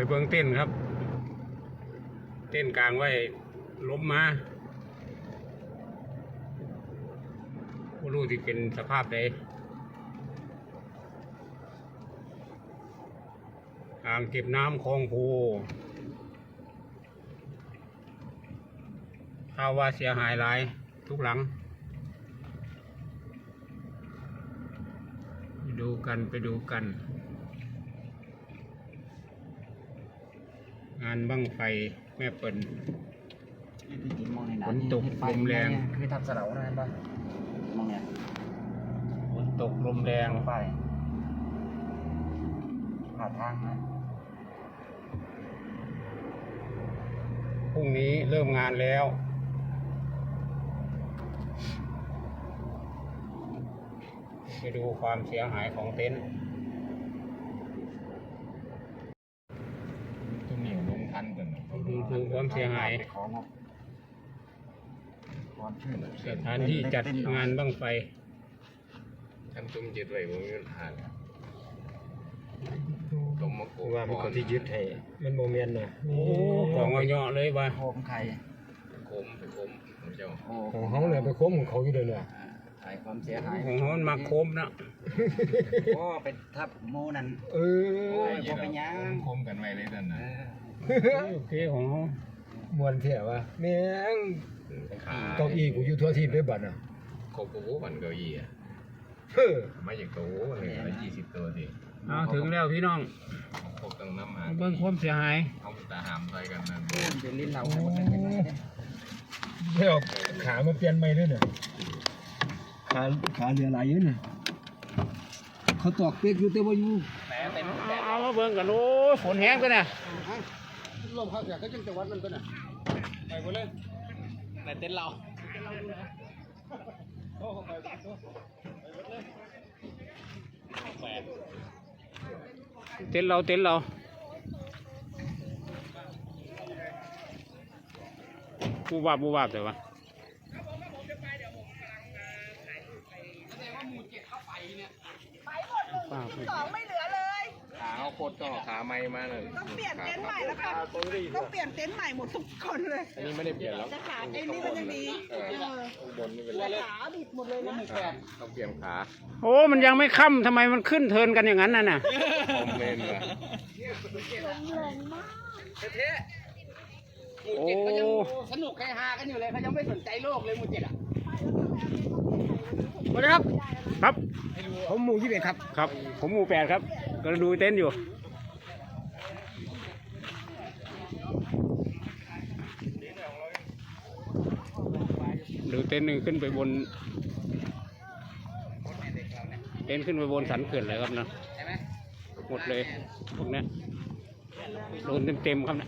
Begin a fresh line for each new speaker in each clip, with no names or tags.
เบิ่งเต้นครับเต้นกลางไว้ล้มมาไม่รู้ที่เป็นสภาพใดอ่างเก็บน้ำคลองโพข่าวว่าเสียหายหลายทุกหลังไปดูกันงานบั้งไฟแม่เปิ่นฝนตกลมแรง
คือทำเสาอะไรบ้างมองเนี่ย
ฝนตกลมแรง
ไปผ่านทางนะ
พรุ่งนี้เริ่มงานแล้วไปดูความเสียหายของเต็นท์
ตัวเหนียวลงทันกัน
ดูความเสียหายสถานที่จัดงานบั้งไฟ
ทำตุ้มยึดไว้บนเงินผ่านตรงมะกรูด
ว่ามีคนที่ยึดให้มันโมเมนต์น่ะ
โอ้ของเงาะเลยว่ะ
โคมไข่
โคมเจ้า
ของเขาเนี่ยไปโคมของเขาอยู่เลยเนี่ยถ่ายความเสียหาย
ของเขามาโคมนะ
โอ้เป็นทับโมนั่น
ผมเป็นยังโคมกันไว้เลยนั่นนะ
โอเคของเขา
มวนเที่ยววะแม่งเก้าอี้กูอยู่ทั่วที่ไปบัดอ่ะ
โคมกูบันเก้าอี้อ่ะมาจากตัวเลย20 ตัวสิ
ถึงแล้วพี่น้อง
โคมตั้งน้ำมา
เบิ่งความเสียหาย
เอาตาหามใส่กันนั่น
เป็นลิ้นเราเดี๋ยวขามาเปลี่ยนใหม่ด้วยเนี่ยขาเหลือหลายอยู่เนี่ยเขาตอกเป๊กอยู่แต่ว่าอยู่
เอามาเบิ่งกันโอ้ฝนแห้งกันนะ
ลมพัดเสียก็จังวัดมันก็น่ะไปหมดเลย
ในเต็นท์เราเต็นท์เราบูบาบแต่ว่า
2ไม่เหลือเลย
ขาโคตรก็ขาไม้มาเลย
ต้องเปลี่ยนเต็นท์ใหม่แล้วค่ะต้องเปลี่ยนเต็นท์ใหม่หมดทุกคนเลย
อันนี้ไม่ได้เปลี่ยนแล้ว
ขาไอ้นี่มันยังดี
ข้างบนนี่เป็นไร
ขาบิดหมดเลยนะ
ต้องเปลี่ยนขา
โอ้มันยังไม่ค่ำทำไมมันขึ้นเทินกันอย่างนั้นน่ะ
ผมเล่นว่ะ
แรงมาก
โอ้
สนุกใครฮากันอยู่เลยเขายังไม่สนใจโลกเลยมูเจ็ดอ่ะ
สวัสดีครับครับ
ผมหมู่21ครับ
ครับผมหมู่8ครับกำลังดูเต็นท์อยู่ดูเต็นท์หนึ่งขึ้นไปบนเต็นท์ขึ้นไปบนสันเขื่อนเลยครับนะหมดเลยพวกนี้โดนเต็มครับนะ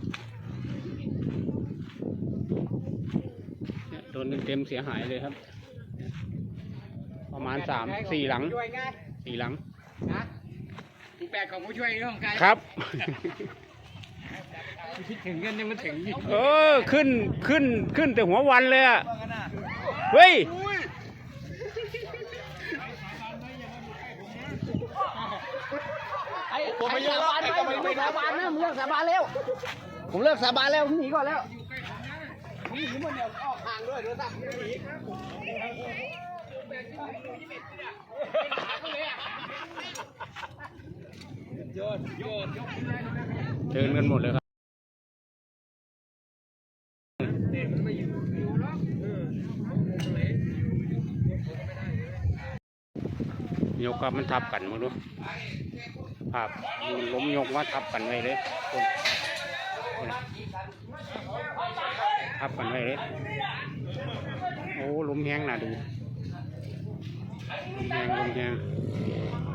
โดนเต็มเสียหายเลยครับประมาณ4 หลัง
นะที่8ของผู้ช่วยเรื่องการ
ครับ
คิดถึงเงินยังไม่ถึง
ขึ้นแต่หัววันเลยอ่ะเฮ้ย
ผมไม่สาบานไม่สาบานนะผมเลิกสาบานแล้วผมเลิกสาบานแล้วผมหนีก่อนแล้วหนีมันเดี๋ยวออกห่างด้วยเดี๋ยวสั่งหนี
เดินกันหมดเลยครับยกกับมันทับกันมาดูภาพล้มยกว่าทับกันไว้เลยทับกันไว้เลยโอ้ล้มแห้งน่ะดูล้มแห้ง